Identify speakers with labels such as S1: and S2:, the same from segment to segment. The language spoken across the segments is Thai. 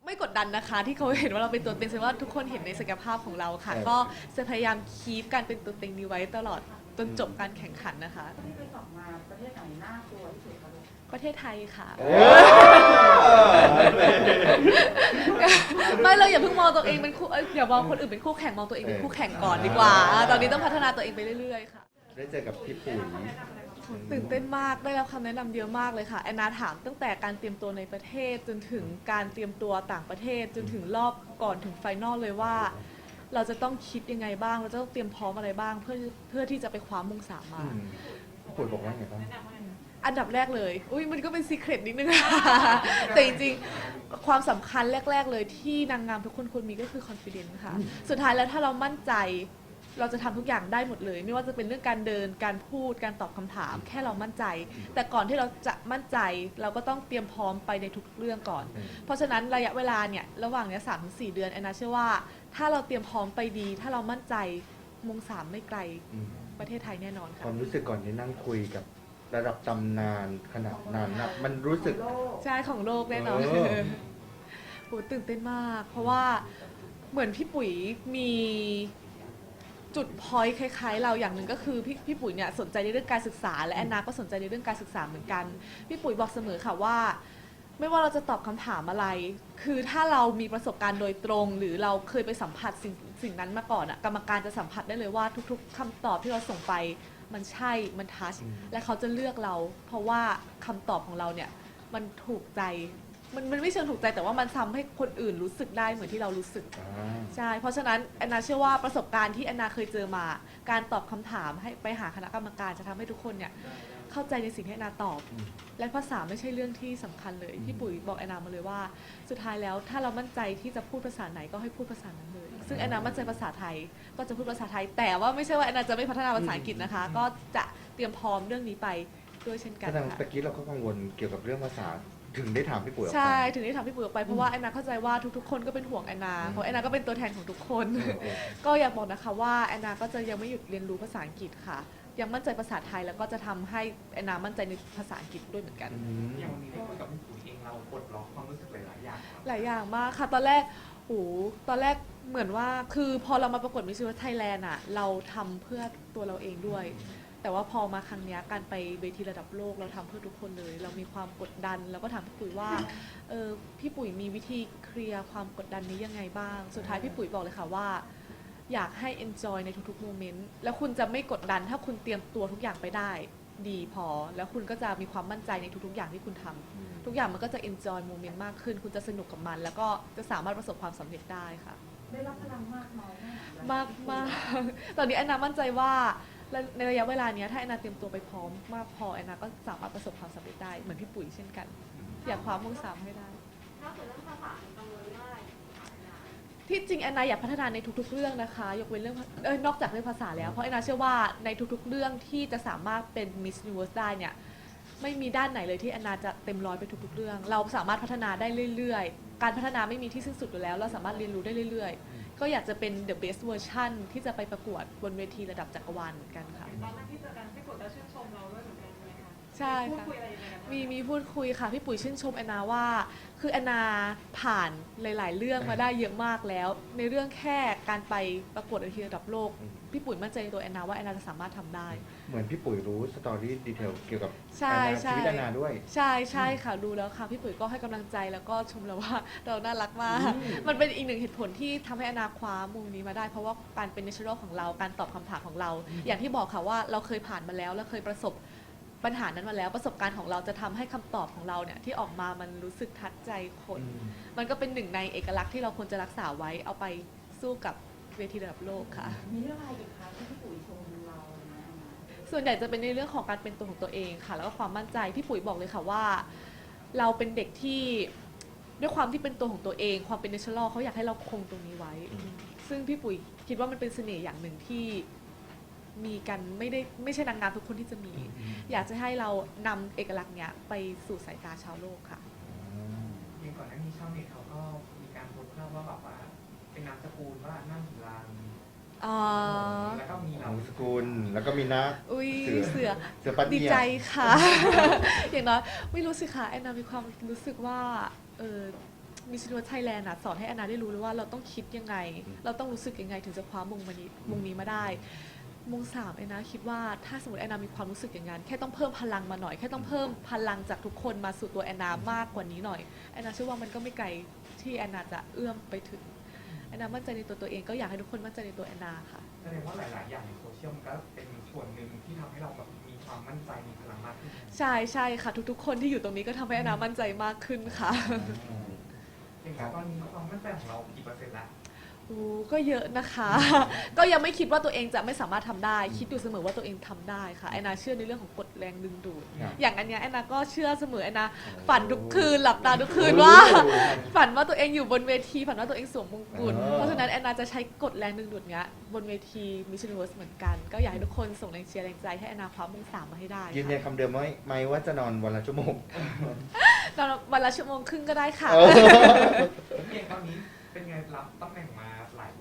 S1: ไม่กดดันนะคะที่เขาเห็นว่าเราเป็นตัวเต็งแสดงว่าทุกคนเห็นในศักยภาพของเราค่ะก็จะพยายามคีปการเป็นตัวเต็งนี้ไว้ตลอดจนจบการแข่งขันนะคะ
S2: ที่ไปสอบมาประเทศไหนน่ากลัวที่สุดคะลูก
S1: ประเทศไทยค่ะ
S3: ไม่เราอย่าเพิ่งมองตัวเองเป็นคู่อย่ามองคนอื่นเป็นคู่แข่งมองตัวเองเป็นคู่แข่งก่อนดีกว่าตอนนี้ต้องพัฒนาตัวเองไปเรื่อยๆค่ะ
S4: ได้เจอกับพี่ปุ๋ย
S1: ตื่นเต้นมากได้รับคำแนะนำเยอะมากเลยค่ะแอนนาถามตั้งแต่การเตรียมตัวในประเทศจนถึงการเตรียมตัวต่างประเทศจนถึงรอบก่อนถึงไฟนอลเลยว่าเราจะต้องคิดยังไงบ้างเราจะต้องเตรียมพร้อมอะไรบ้างเพื่อที่จะไปคว้ามง3มา
S4: พี่ปุ๋ยบอกว่าไงบ้าง
S1: อันดับแรกเลยอุ้ยมันก็เป็นซีเครตนิดนึง แต่จริงๆความสำคัญแรกๆเลยที่นางงามทุกคนควรมีก็คือ confidence ค่ะสุดท้ายแล้วถ้าเรามั่นใจเราจะทำทุกอย่างได้หมดเลยไม่ว่าจะเป็นเรื่องการเดินการพูดการตอบคำถามแค่เรามั่นใจ แต่ก่อนที่เราจะมั่นใจเราก็ต้องเตรียมพร้อมไปในทุกเรื่องก่อนเพราะฉะนั้นระยะเวลาเนี่ยระหว่างเนี้ย3-4 เดือนแอนนาเชื่อว่าถ้าเราเตรียมพร้อมไปดีถ้าเรามั่นใจมง3ไม่ไกลประเทศไทยแน่นอนค่ะ
S4: ความรู้สึกก่อนที่นั่งคุยกับระดับตำนานขนาดนั้นนะมันรู้สึก
S1: ใช่ของโลกแน่นอนโหตื่นเต้นมากเพราะว่าเหมือนพี่ปุ๋ยมีจุดพอยต์คล้ายๆเราอย่างหนึ่งก็คือพี่ปุ๋ยเนี่ยสนใจในเรื่องการศึกษาและแอนนาก็สนใจในเรื่องการศึกษาเหมือนกันพี่ปุ๋ยบอกเสมอค่ะว่าไม่ว่าเราจะตอบคำถามอะไรคือถ้าเรามีประสบการณ์โดยตรงหรือเราเคยไปสัมผัสสิ่งนั้นมาก่อนกรรมการจะสัมผัสได้เลยว่าทุกๆคำตอบที่เราส่งไปมันใช่มันทัชและเขาจะเลือกเราเพราะว่าคำตอบของเราเนี่ยมันถูกใจมันไม่เชิงถูกใจแต่ว่ามันทำให้คนอื่นรู้สึกได้เหมือนที่เรารู้สึกใช่เพราะฉะนั้นแอนนาเชื่อว่าประสบการณ์ที่แอนนาเคยเจอมาการตอบคำถามให้ไปหาคณะกรรมการจะทำให้ทุกคนเนี่ยเข้าใจในสิ่งที่แอนนาตอบและภาษาไม่ใช่เรื่องที่สำคัญเลยพี่ปุ๋ยบอกแอนนามาเลยว่าสุดท้ายแล้วถ้าเรามั่นใจที่จะพูดภาษาไหนก็ให้พูดภาษานั้นเลยซึ่งแอนนามั่นใจภาษาไทยก็จะพูดภาษาไทยแต่ว่าไม่ใช่ว่าแอนนาจะไม่พัฒนาภาษาอังกฤษนะคะก็จะเตรียมพร้อมเรื่องนี้ไปด้วยเช่นกันค่ะ
S4: ตะกี้เราก็กังวลเกี่ยวกับเรื่องภาษาถึงได้ถามพี่ปุ๋ยออกไป
S1: ใช่ถึงได้ถามพี่ปุ๋ยออกไปเพราะว่าแอนนาเข้าใจว่าทุกๆคนก็เป็นห่วงแอนนาเพราะแอนนาก็เป็นตัวแทนของทุกคนก็อยากบอกนะคะว่าแอนนาก็จะยังไม่หยุดเรียนรู้ภาษาอังกฤษค่ะยังมั่นใจภาษาไทยแล้วก็จะทำให้แอนนามั่นใจในภาษาอังกฤษด้วยเหมือนกัน
S5: อย่างวันนี้ได้คุยกับพี่ปุ๋ยเองเราปลดล็อกความรู้สึกหลายๆอย่าง
S1: หลายอย่างมากค่ะตอนแรกเหมือนว่าคือพอเรามาประกวดมิส s ิ n ว r ไทยแลนด์เราทำเพื่อตัวเราเองด้วยแต่ว่าพอมาครั้งนี้การไปเวทีระดับโลกเราทำเพื่อทุกคนเลยเรามีความกดดันแล้วก็ถามพี่ปุ๋ยว่าพี่ปุ๋ยมีวิธีเคลียร์ความกดดันนี้ยังไงบ้างสุดท้ายพี่ปุ๋ยบอกเลยค่ะว่าอยากให้ enjoy ในทุกๆโมเมนต์แล้วคุณจะไม่กดดันถ้าคุณเตรียมตัวทุกอย่างไปได้ดีพอแล้วคุณก็จะมีความมั่นใจในทุกๆอย่างที่คุณทำทุกอย่างมันก็จะ enjoy โมเมนต์มากขึ้นคุณจะสนุกกับมันแล้วก็จะสามารถประสบความสำเร็จได้ค่ะ
S2: ได้รับพลังมากน้อย
S1: มากตอนนี้แอนนามั่นใจว่าในระยะเวลานี้ถ้าแอนนาเตรียมตัวไปพร้อมมากพอแอนนาก็สามารถประสบความสำเร็จได้เหมือนพี่ปุ๋ยเช่นกันอยากคว้ามง3ให้ได้ถ้าเกิดเรื่องภาษากังวลว่าที่จริงแอนนาอยากพัฒนาในทุกๆเรื่องนะคะยกเว้นเรื่องนอกจากเรื่องภาษาแล้วเพราะแอนนาเชื่อว่าในทุกๆเรื่องที่จะสามารถเป็น Miss Universe ได้เนี่ยไม่มีด้านไหนเลยที่แอนนาจะเต็มร้อยไปทุกๆเรื่องเราสามารถพัฒนาได้เรื่อยๆการพัฒนาไม่มีที่สิ้นสุดอยู่แล้วเราสามารถเรียนรู้ได้เรื่อยๆก็อยากจะเป็น the best version ที่จะไปประกวดบนเวทีระดับจักรวาลเหมือนกันค่ะ
S2: ตอนนั้นที่เจอกันพี่ปุ๋ยก็ชื่นชมเราด้วยเหมือนกันใช่ไหมคะ
S1: ใช่ค่ะมีพูดคุยค่ะพี่ปุ๋ยชื่นชมแอนนาว่าคือแอนนาผ่านหลายๆเรื่องมาได้เยอะมากแล้วในเรื่องแค่การไปประกวดเวทีระดับโลกพี่ปุ๋ยมั่นใจในตัวแอนนาว่าแอนนาจะสามารถทำได้
S4: เหมือนพี่ปุ๋ยรู้สตอรี่ดีเทลเกี่ยวกับ
S1: ชี
S4: วิตแอนนาด้วย
S1: ใช่ค่ะดูแล้วค่ะพี่ปุ๋ยก็ให้กำลังใจแล้วก็ชมเราว่าเราน่ารักมากมันเป็นอีกหนึ่งเหตุผลที่ทำให้แอนนาคว้ามงนี้มาได้เพราะว่าการเป็น natural ของเราการตอบคำถามของเราอย่างที่บอกค่ะว่าเราเคยผ่านมาแล้วและเคยประสบปัญหานั้นมาแล้วประสบการณ์ของเราจะทำให้คำตอบของเราเนี่ยที่ออกมามันรู้สึกทัดใจคนมันก็เป็นหนึ่งในเอกลักษณ์ที่เราควรจะรักษาไว้เอาไปสู้กับเวทีระดับโลกค่ะ
S2: มีเรื่องอะไรอีกคะที่พี่ปุ๋ยชมเรา
S1: ส่วนใหญ่จะเป็นในเรื่องของการเป็นตัวของตัวเองค่ะแล้วก็ความมั่นใจพี่ปุ๋ยบอกเลยค่ะว่าเราเป็นเด็กที่ด้วยความที่เป็นตัวของตัวเองความเป็นเนเชอรัลเขาอยากให้เราคงตรงนี้ไว้ซึ่งพี่ปุ๋ยคิดว่ามันเป็นเสน่ห์อย่างหนึ่งที่มีกันไม่ใช่นางงามทุกคนที่จะมีอยากจะให้เรานำเอกลักษณ์เนี้ยไปสู่สายตาชาวโลกค่ะ
S5: อย่างก่อนหน้านี้ชาวเน็ตเขาก็มีการโพสต์ภาพว่าแบบว่าเป็นนามสกุลว่านั่งหิรันแล้วก็มีนาม
S4: สกุลแล้วก็มีนัก
S1: เสือดีใจค่ะ อย่างน้อยไม่รู้สิค่ะแอนนามีความรู้สึกว่ามิสซิ n น v ไทยแลนด์สอนให้แอนนาได้รู้เลยว่าเราต้องคิดยังไง เราต้องรู้สึกยังไงถึงจะคว้ามงนี้มาได้มง3แอนนาคิดว่าถ้าสมมติแอนนามีความรู้สึกอย่างนั้นแค่ต้องเพิ่มพลังมาหน่อยแค่ต้องเพิ่มพลังจากทุกคนมาสู่ตัวแอนนามากกว่านี้หน่อยแอนนาเชื่อว่ามันก็ไม่ไกลที่แอนนาจะเอื้อมไปถึงแอนนามั่นใจในตัวเองก็อยากให้ทุกคนมั่นใจในตัวแอนนาค่ะ
S5: แสดงว่าหลาย ๆ อย่างในโซเชียลมันก็เป็นส่วนหนึ่งที่ทำให้เราแบบมีความมั่นใจมีพลังมากขึ้น
S1: ใช่ค่ะทุกๆคนที่อยู่ตรงนี้ก็ทำให้แอนนามั่นใจมากขึ้นค่ะ
S5: อย่างตอนนี้ความมั่นใจของเรากี่เปอร์เซ็นต์ละ
S1: ก็เยอะนะคะ ก็ยังไม่คิดว่าตัวเองจะไม่สามารถทำได้ คิดอยู่เสมอว่าตัวเองทำได้ค่ะแอนนาเชื่อในเรื่องของกฎแรงดึงดูด
S4: ครับ
S1: อย่างอันเนี้ยแอนนาก็เชื่อเสมอแอนนาฝันทุกคืนหลับตาทุกคืนว่า ฝันว่าตัวเองอยู่บนเวทีฝันว่าตัวเองสวมมงกุฎเพราะฉะนั้นแอนนาจะใช้กฎแรงดึงดูดเนี้ยบนเวทีมิสซิ n น v เหมือนกัน ก็อยากให้ทุกคนส่งแรงเชียร์แรงใจให้แอนนาคว้ามง3มาให้ได้
S4: ยืนยัน
S1: ค่ะ
S4: คำเดิมไหมว่าจะนอนวันละชั่วโมง
S1: ตอนวันละชั่วโมงครึ่งก็ได้ค่ะ
S5: อย่างตอนนี้เป็นไงรับตำแหน่งมาหลาย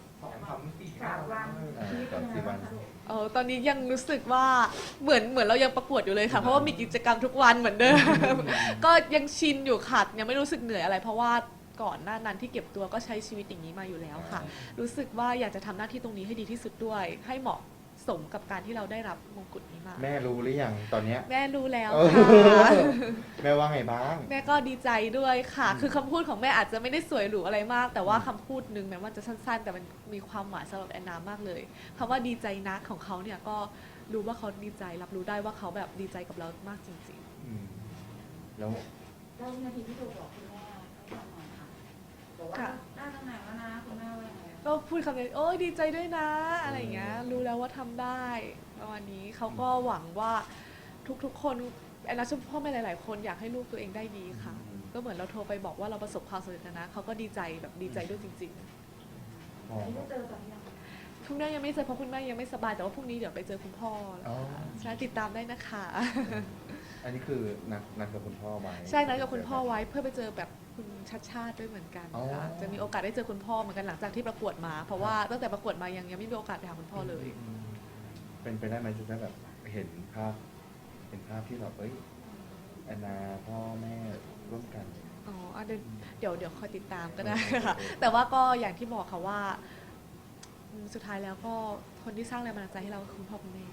S5: 2 3 4
S2: 3 วัน
S4: 3-4
S2: ชีวิตเป็นยังไงบ้างคะ
S1: ตอนนี้ยังรู้สึกว่าเหมือนเรายังประกวดอยู่เลยค่ะ เพราะว่ามีกิจกรรมทุกวันเหมือนเดิม ก็ยังชินอยู่ค่ะยังไม่รู้สึกเหนื่อยอะไร เพราะว่าก่อนหน้านั้นที่เก็บตัวก็ใช้ชีวิตอย่างนี้มาอยู่แล้วค่ะ รู้สึกว่าอยากจะทำหน้าที่ตรงนี้ให้ดีที่สุดด้วย ให้เหมาะสมกับการที่เราได้รับมงกุฎนี้มา
S4: แม่รู้หรือยังตอนเนี้ย
S1: แม่รู้แล้ว
S4: เออ
S1: ค่ะ
S4: แม่ว่าไงบ้าง
S1: แม่ก็ดีใจด้วยค่ะ คือคำพูดของแม่อาจจะไม่ได้สวยหรูอะไรมาก แต่ว่าคำพูดนึงแม้ว่าจะสั้นๆ แต่มันมีความหมายสำหรับแอนนามากเลยคำว่าดีใจนะของเขาเนี่ยก็รู้ว่าเขาดีใจรับรู้ได้ว่าเขาแบบดีใจกับเรามากจริง
S4: อืมแล้ว
S2: แล้ววินาทีที่โทรบอกคุณแม่ให้ฟังหน่อยค่ะบอกว่าได้ตำแหน่งแล้วนะคุณแม่ว่ายังไง
S1: ๆ ก็พูดคำนี้โอ้ยดีใจด้วยนะอะไรอย่างเงี้ยรู้แล้วว่าทำได้ประมาณนี้เขาก็หวังว่าทุกๆคนแอนนาเชื่อพ่อแม่หลายๆ คนอยากให้ลูกตัวเองได้ดีค่ะ ก็เหมือนเราโทรไปบอกว่าเราประสบความสำเร็จแล้วนะเขาก็ดีใจแบบดีใจด้วยจริงๆ
S4: พอ
S2: อันนี้ได้เจอกันยัง
S1: คุณแม่ยังไม่เจอเพราะคุณแม่ยังไม่สบายแต่ว่าพรุ่งนี้เดี๋ยวไปเจอคุณพ่อแล้ว
S4: อ๋อ
S1: ค่ะใช่ติดตามได้นะคะ
S4: อันนี้คือนัดกับคุณพ่อไว้
S1: ใช่นัดกับคุณพ่อไว้เพื่อไปเจอแบบคุณชัดชาติด้วยเหมือนกัน
S4: อ๋อ
S1: ค่ะจะมีโอกาสได้เจอคุณพ่อเหมือนกันหลังจากที่ประกวดมา เพราะว่าตั้งแต่ประกวดมายังไม่มีโอกาสไปหาคุณพ่อเลย
S4: อืมเป็นไปได้ไหมจะได้แบบเห็นภาพที่แบบแอนนาพ่อแม่ร่วมกัน
S1: อ๋ออ่ะเดี๋ยวคอยติดตามก็ได้ค่ะ แต่ว่าก็อย่างที่บอกค่ะว่าสุดท้ายแล้วก็คนที่สร้างแรงบันดาลใจให้เราคือคุณพ่อคุณแม่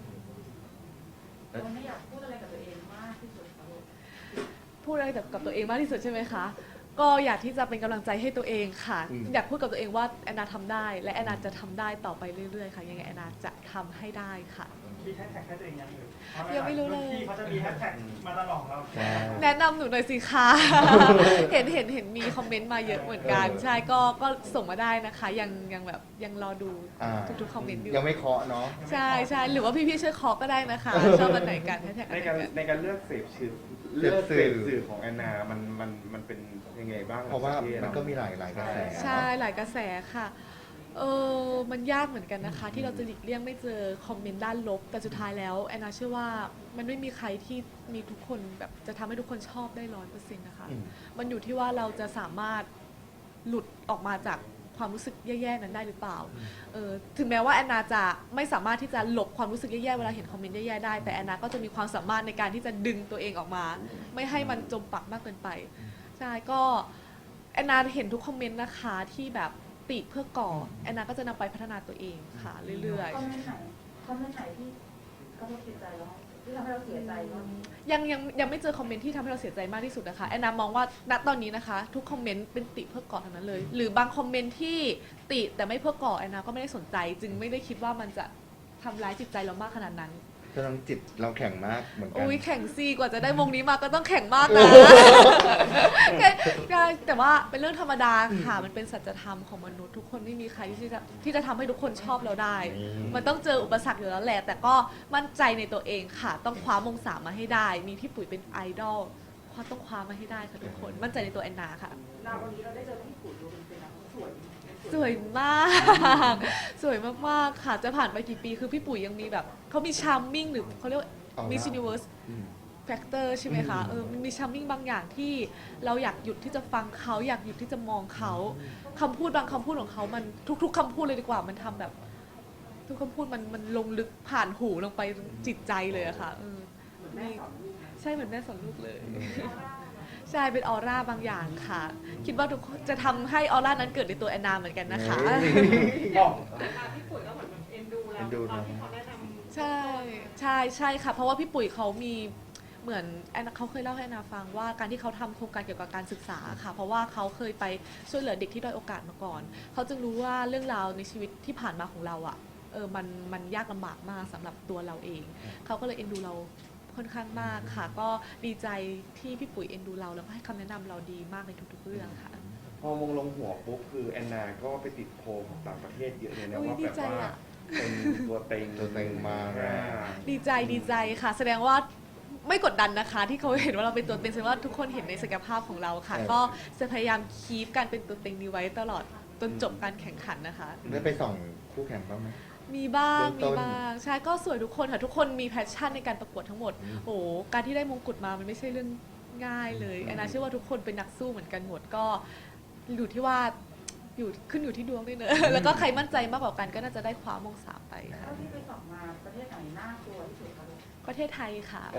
S2: เราไม่อยากพูดอะไรกับตัวเองมากที่สุดค่ะลูก
S1: พูดอะไรกับตัวเองมากที่สุดใช่ไหมคะ ก็อยากที่จะเป็นกำลังใจให้ตัวเองค่ะ อยากพูดกับตัวเองว่าแอนนาทำได้ และแอนนาจะทำได้ต่อไปเรื่อยๆค่ะ ยังไงแอนนาจะทำให้ได้ค่ะ
S6: มีแฮชแท็กให้ตัวเองยังหรือ
S1: ยังไม่รู้เลย
S6: ที่เขาจะมีแฮชแท็กมาตลอดเรา
S4: ใช่
S1: แนะนำหนูหน่อยสิคะ เห็นมีคอมเมนต์มาเยอะเหมือนกัน ใช่ก็ส่งมาได้นะคะ ยังแบบยังรอดู
S4: อ่า
S1: ทุกๆคอมเมนต์อยู่
S4: ยังไม่เคาะเนาะ
S1: ใช่หรือว่าพี่ๆช่วยเคอก็ได้นะคะ ชอบอันไหนกันแฮชแท็กอัน
S7: ใน
S1: ไหน
S7: การ
S1: กัน
S7: ในการเลือกเสพสื่อ
S4: เส
S7: เลื
S4: พ
S7: อก
S4: สื่
S7: เส
S4: อ
S7: พสื่อของแอนนา มันเป็นยังไงบ้าง
S4: เพราะว่า
S7: ปทศ
S4: มันก็มีหลายกระแส
S1: ใช่ หลายกระแสค่ะ มันยากเหมือนกันนะคะ ที่เราจะหลีกเลี่ยงไม่เจอคอมเมนต์ด้านลบ แต่สุดท้ายแล้วแอนนาเชื่อว่ามันไม่มีใครที่มีทุกคนแบบจะทำให้ทุกคนชอบได้100%นะคะ
S4: อืม
S1: มันอยู่ที่ว่าเราจะสามารถหลุดออกมาจากความรู้สึกแย่ๆนั้นได้หรือเปล่า ถึงแม้ว่าแอนนาจะไม่สามารถที่จะหลบความรู้สึกแย่ๆเวลาเห็นคอมเมนต์แย่ๆได้ แต่แอนนาก็จะมีความสามารถในการที่จะดึงตัวเองออกมา ไม่ให้มันจมปักมากเกินไป ใช่ก็แอนนาเห็นทุกคอมเมนต์นะคะที่แบบติเพื่อก่อแอนนาก็จะนำไปพัฒนาตัวเองค่ะ เรื่อย
S2: คอมเมนต์ไหนที่กระทบจิตใจเราที่ทำให้เราเสียใจบ้าง
S1: ๆยังไม่เจอคอมเมนต์ที่ทำให้เราเสียใจมากที่สุดนะคะแอนนามองว่าณตอนนี้นะคะ ทุกคอมเมนต์เป็นติเพื่อก่อทั้งนั้นเลย หรือบางคอมเมนต์ที่ติแต่ไม่เพื่อก่อแอนนาก็ไม่ได้สนใจ จึงไม่ได้คิดว่ามันจะทำร้ายจิตใจเรามากขนาดนั้น
S4: กำลังจิตเราแข็งมากเหมือนกัน
S1: อุ้ยแข่งซีกว่าจะได้วงนี้มาก็ต้องแข่งมากนะ แต่ว่าเป็นเรื่องธรรมดาค่ะ มันเป็นสัจธรรมของมนุษย์ทุกคนไม่มีใครที่จะทำให้ทุกคนชอบเราได้ มันต้องเจออุปสรรคอยู่แล้วแหละ แต่ก็มั่นใจในตัวเองค่ะ ต้องคว้ามง3มาให้ได้ มีพี่ปุ๋ยเป็นไอดอลต้องคว้ามาให้ได้ค่ะทุกคน มั่นใจในตัวแอนนาค่ะ
S2: วันนี้เราได้เจอพี่ปุ๋ยดูเป็นนะสวย
S1: สวยมาก สวยมากๆค่ะ จะผ่านไปกี่ปีคือพี่ปุ๋ยยังมีแบบเขามีชาร์มมิ่งหรือเขาเรียกว่า Miss Universe
S4: อืม
S1: แฟกเตอร์ใช่ไหมคะมันมีชัมมิ่งบางอย่างที่เราอยากหยุดที่จะฟังเขาอยากหยุดที่จะมองเขาคำพูดบางคำพูดของเขามันทุกๆคำพูดเลยดีกว่ามันทำแบบ ทุกคำพูดมันลงลึกผ่านหูลงไปจิตใจเลยอะค่ะ
S2: เหมือนแม่สอนลูกนะ
S1: ใช่เหมือนแม่สอนลูกเลยใช่เป็นออร่าบางอย่างค่ะ คิดว่าทุกคนจะทำให้ออร่านั้นเกิดในตัวแอนนาเหมือนกันนะคะ
S6: บอก
S2: พี่ปุ๋ยก็เหมือนแบบเอ็นดูเรา
S4: เอ็นดู
S2: ตอน
S4: เนอะ
S2: ที่เขาแนะนำ
S1: ใช่ใช่ค่ะ เพราะว่าพี่ปุ๋ยเขามีเหมือนแอนนาเขาเคยเล่าให้แอนนาฟังว่าการที่เขาทำโครงการเกี่ยวกับการศึกษาค่ะ เพราะว่าเขาเคยไปช่วยเหลือเด็กที่ด้อยโอกาสมาก่อนเขาจึงรู้ว่าเรื่องราวในชีวิตที่ผ่านมาของเราอ่ะมันยากลำบากมากสำหรับตัวเราเองเขาก็เลยเอ็นดูเราค่อนข้างมากค่ะ ก็ดีใจที่พี่ปุ๋ยเอ็นดูเราแล้วก็ให้คำแนะนำเราดีมากในทุกๆเรื่องค่ะ
S7: พอมงลงหัวปุ๊บคือแอนนาก็ไปติดโพลของต่างประเทศเยอะเลยนะ
S1: อุ๊ย
S7: ว่า
S1: ดี
S7: แบบ
S1: ใจ
S7: ว่า
S1: อะ
S7: เป็นตัวเต็ง
S4: ตัวเต็งมาแรง
S1: ดีใจค่ะ แสดงว่าไม่กดดันนะคะ ที่เขาเห็นว่าเราเป็นตัวเต็งแสดงว่าทุกคนเห็นในศักยภาพของเราค่ะ ก็จะพยายามคีปการเป็นตัวเต็งนี้ไว้ตลอดจนจบการแข่งขันนะคะ
S4: ได้ไปส่องคู่แข่งบ้างไหม
S1: มีบ้าง
S4: เบื้องต้น
S1: ใช่ก็สวยทุกคนค่ะทุกคนมีแพชชั่นในการประกวดทั้งหมดโอ้โหการที่ได้มงกุฎมามันไม่ใช่เรื่องง่ายเลยแอนนาเชื่อว่าทุกคนเป็นนักสู้เหมือนกันหมดก็อยู่ที่ว่าขึ้นอยู่ที่ดวงด้วยเนอะแล้วก็ใครมั่นใจมากกว่ากันก็น่าจะได้คว้ามง3ไปค่ะ
S2: เท่าที่ไปสอบมาประเทศไหนน่ากลัวที่สุดคะลูก
S1: ประเทศไทยค่ะ
S4: เอ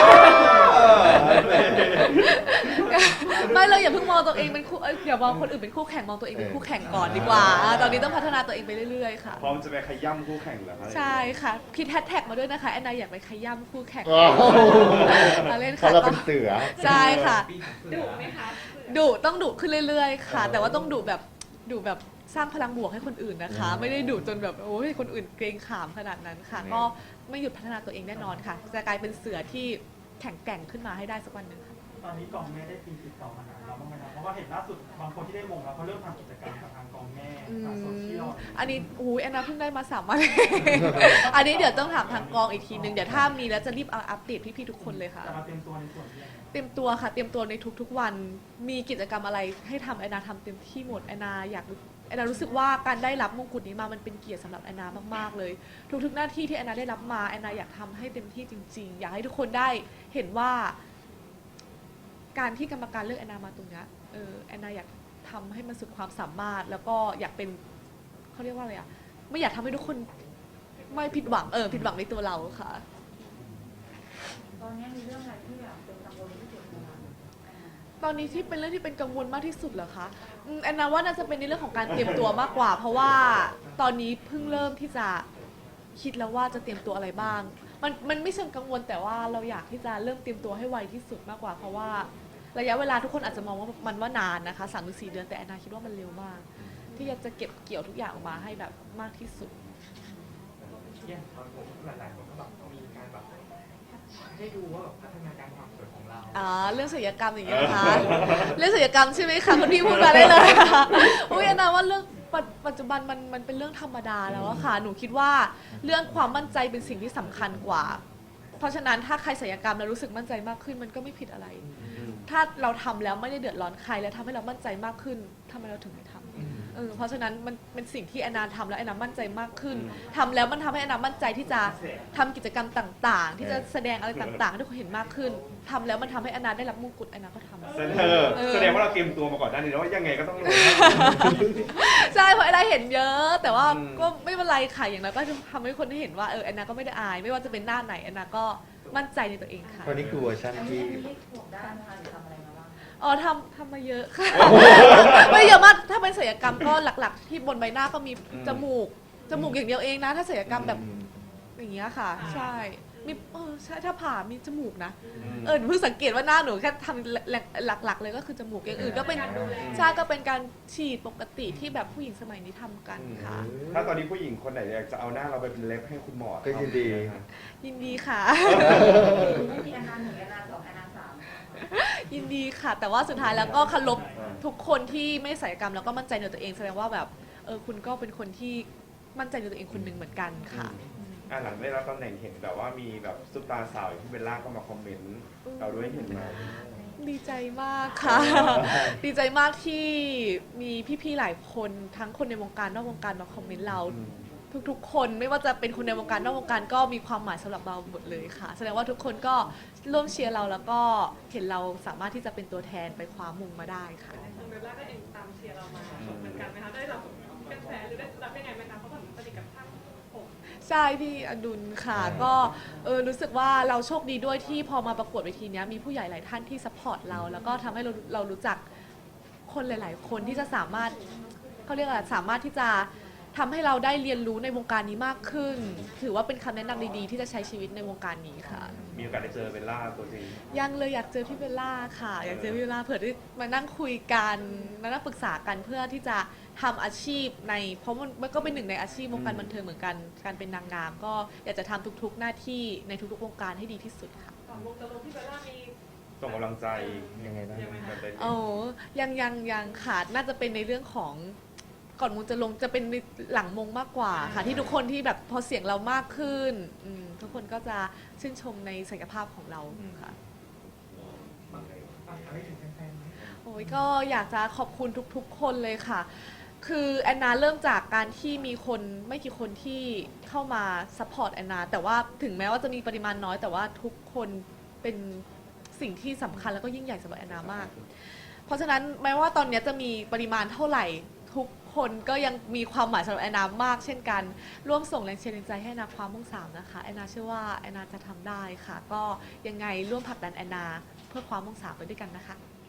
S1: ไม่เราอย่าเพิ่งมองตัวเองเป็นคู่อย่ามองคนอื่นเป็นคู่แข่งมองตัวเองเป็นคู่แข่งก่อนดีกว่าตอนนี้ต้องพัฒนาตัวเองไปเรื่อยๆค่ะ
S7: พร้อมจะไปขย่ำคู่แข่งเหรอคะ
S1: ใช่ค่ะคิดแฮชแท็กมาด้วยนะคะแอนนาอยากไปขย้ำคู่แข่ง
S4: ว้าว
S1: มาเล่น
S4: เพ
S1: ค่ะ
S4: ราะเราเป็นเสือ
S1: ใช่ค่ะ
S2: ดุไหมคะ
S1: ต้องดุขึ้นเรื่อยๆค่ะ แต่ว่าต้องดุแบบสร้างพลังบวกให้คนอื่นนะคะ ไม่ได้ดุจนแบบโอ้ยคนอื่นเกรงขามขนาดนั้นค่ะ ก็ไม่หยุดพัฒนาตัวเองแน่นอนค่ะ จะกลายเป็นเสือที่แข็งแกร่งขึ้นมาให้ได้สักวันหนึ่งค่ะ
S6: ตอนนี้กองแม่ได้ตีติดต่อมาหาเราบ้างไหมครับเพราะว่าเห็นล่าสุดบางคนที่ได้มงแล้วเขาเริ่มทำกิจกรรมกับทางกองแม่ทางโซเชียล
S1: อันนี้แอนนาเพิ่งได้มา3 วัน อันนี้เดี๋ยวต้องถามทางกองอีกทีนึง เดี๋ยวถ้ามีแล้วจะรีบเอาอัปเดตพี่ๆทุกคนเลยค่ะ
S6: จะมาเตรียมตัวในส่วนนี้ยังไง
S1: เตรียมตัวค่ะ เตรียมตัวในทุกๆวัน มีกิจกรรมอะไรให้ทำแอนนาทำเต็มที่หมดแอนนารู้สึกว่าการได้รับมงกุฎนี้มามันเป็นเกียรติสำหรับแอนนามากๆเลย ทุกๆหน้าที่ที่แอนนาได้รับมาแอนนาอยากทำให้เต็มที่จริงๆ อยากให้ทุกคนได้เห็นว่า การที่กรรมการเลือกแอนนามาตรงเนี้ยแอนนาอยากทำให้มันสุดความสามารถ แล้วก็อยากเป็นเขาเรียกว่าอะไรไม่อยากทำให้ทุกคนไม่ผิดหวังผิดหวังในตัวเราค่ะ
S2: ตอนนี้มีเรื่องอะไรที่แบบเป็นกังวลที่สุดไหมคะ
S1: ตอนนี้ที่เป็นเรื่องที่เป็นกังวลมากที่สุดเหรอคะแอนนาว่าน่าจะเป็นในเรื่องของการเตรียมตัวมากกว่า เพราะว่าตอนนี้เพิ่งเริ่มที่จะคิดแล้วว่าจะเตรียมตัวอะไรบ้าง มันไม่เชิงกังวลแต่ว่าเราอยากที่จะเริ่มเตรียมตัวให้ไวที่สุดมากกว่า เพราะว่าระยะเวลาทุกคนอาจจะมองว่ามันว่านานนะคะ3-4 เดือนแต่แอนนาคิดว่ามันเร็วมาก ที่จะเก็บเกี่ยวทุกอย่างออกมาให้แบบมากที่สุด
S5: อย่างตอนผมหลายๆคนก็แบบมีการแบบให้ดูว่าแบบพัฒนาการความสวยของเรา
S1: เรื่องศิลปกรรมอย่างเงี้ยนะคะ เรื่องศิลปกรรมใช่ไหมคะคุณพี่พูดมาได้เลยค่ะอุ้ยแอนนาว่าเรื่องปัจจุบันมันเป็นเรื่องธรรมดาแล้วอะค่ะหนูคิดว่าเรื่องความมั่นใจเป็นสิ่งที่สำคัญกว่า เพราะฉะนั้นถ้าใครศิลปกรรมแล้วรู้สึกมั่นใจมากขึ้นมันก็ไม่ผิดอะไร ถ้าเราทำแล้วไม่ได้เดือดร้อนใครแล้วทำให้เรามั่นใจมากขึ้นทำไมเราถึงไม่ทำเพราะฉะนั้นมันเป็นสิ่งที่แอนนาทำแล้วแอนนามั่นใจมากขึ้นทำแล้วมันทำให้แอนนามั่นใจที่จะทำกิจกรรมต่างๆ ที่จะแสดงอะไรต่างๆให้ทุกคนเห็นมากขึ้นทำแล้วมันทำให้แอนนาได้รับมงกุฎแอนนาก็ทำ
S7: แสดงว่าเราเตรียมตัวมาก่อนหน้านี้แล้วว่ายังไงก็ต้องลง
S1: ใช่เพราะแอนนาเห็นเยอะ แต่ว่า
S7: อืม
S1: ก็ไม่เป็นไรค่ะอย่างนั้นก็ทำให้คนได้เห็นว่าแอนนาก็ไม่ได้อาย ไม่ว่าจะเป็นหน้าไหนแอนนาก็มั่นใจในตัวเองค่ะ
S4: ตอนนี้คือเวอร์ชัน
S2: อันนี้
S4: ที่
S2: ถูกด้านนะคะหรือทำอะไรมาบ้าง
S1: ทำมาเยอะค่ะ ไม่เยอะมากถ้าเป็นศัลยกรรมก็หลักๆ ที่บนใบหน้าก็มีจมูกอย่างเดียวเองนะ ถ้าศัลยกรรมแบบอย่างเงี้ยค่ะ ใช่มีใช่ถ้าผ่ามีจมูกนะหนูเพิ่งสังเกตว่าหน้าหนูแค่ทำหลักๆ เลยก็คือจมูกอย่างอื่นก็เป็นใช่ก็เป็นการฉีดปกติที่แบบผู้หญิงสมัยนี้ทำกันค่ะ
S7: ถ้าตอนนี้ผู้หญิงคนไหนอยากจะเอาหน้าเราไปเป็นเล็บให้คุณหมอ
S4: ก็ยินดี
S1: ยินดีค่ะ
S2: ไม่มีอาการหนึ่งอาการสองอาการสาม
S1: ยินดีค่ะ แต่ว่าสุดท้ายแล้วก็เคารพทุกคนที่ไม่ศัลยกรรมแล้วก็มั่นใจในตัวเองแสดงว่าแบบคุณก็เป็นคนที่มั่นใจในตัวเองคนหนึ่งเหมือนกันค่ะ
S7: หลังได้รับตำแหน่งเห็นแบบว่ามีแบบซุปตาร์สาวอย่างที่เบลล่าก็มาคอมเมนต์เราด้วยเห็นไหม
S1: ดีใจมากค่ะ ดีใจมากที่มีพี่ๆหลายคนทั้งคนในวงการนอกวงการมาคอมเมนต์เรา ทุกๆคนไม่ว่าจะเป็นคนในวงการนอกวงการก็มีความหมายสำหรับเราหมดเลยค่ะ แสดงว่าทุกคนก็ร่วมเชียร์เราแล้วก็เห็นเราสามารถที่จะเป็นตัวแทนไปคว้ามงมาได้ค่ะ
S3: ทางเบลล่าก็เองตามเชียร์เรามาเหมือนกันไหมคะได้รับกระแสหรือได้รับยังไงไหมคะเพราะว่าสนิทกับท่าน
S1: ใช่พี่อดุลค่ะก็รู้สึกว่าเราโชคดีด้วยที่พอมาประกวดเวทีเนี้ยมีผู้ใหญ่หลายท่านที่ซัพพอร์ตเราแล้วก็ทำให้เรารู้จักคนหลาย ๆ คนที่จะสามารถเขาเรียกอะไรสามารถที่จะทำให้เราได้เรียนรู้ในวงการนี้มากขึ้น ถือว่าเป็นคำแนะนำดีๆที่จะใช้ชีวิตในวงการนี้ค่ะ
S7: มีโอกาสได้เจอเบลล่าตัวจริง
S1: ยังเลยอยากเจอพี่เบลล่าค่ะ อยากเจอพี่เบลล่าเผื่อได้มานั่งคุยกันมานั่งปรึกษากันเพื่อที่จะทำอาชีพในเพราะมันก็เป็นหนึ่งในอาชีพวงการบันเทิงเหมือนกันการเป็นนางงามก็อยากจะทำทุกๆหน้าที่ในทุกๆวงการให้ดีที่สุดค่ะ
S3: ก่อนวงจะลงพี่เบลล่ามี
S7: ส่งกำลังใจ
S4: ยังไงบ้าง
S7: แบบเต็มที่
S1: โอ้ยังขาดน่าจะเป็นในเรื่องของก่อนมงจะลงจะเป็นในหลังมงมากกว่าค่ะที่ทุกคนที่แบบพอเสียงเรามากขึ้นทุกคนก็จะชื่นชมในศักยภาพของเราค่ะ
S5: ฝากอะไรถึงแฟนๆไหม
S1: โอ้ยก็อยากจะขอบคุณทุกๆ คนเลยค่ะ คือแอนนาเริ่มจากการที่มีคนไม่กี่คนที่เข้ามาซัพพอร์ตแอนนาแต่ว่าถึงแม้ว่าจะมีปริมาณน้อยแต่ว่าทุกคนเป็นสิ่งที่สำคัญแล้วก็ยิ่งใหญ่สำหรับแอนนามาก เพราะฉะนั้นแม้ว่าตอนนี้จะมีปริมาณเท่าไหร่ทุกคนก็ยังมีความหมายสำหรับแอนนามาก เช่นกันร่วมส่งแรงเชียร์แรงใจให้แอนนาคว้ามง3นะคะแอนนาเชื่อว่าแอนนาจะทำได้ค่ะ ก็ยังไงร่วมผลักดันแอนนาเพื่อคว้ามง3ไปด้วยกันนะคะ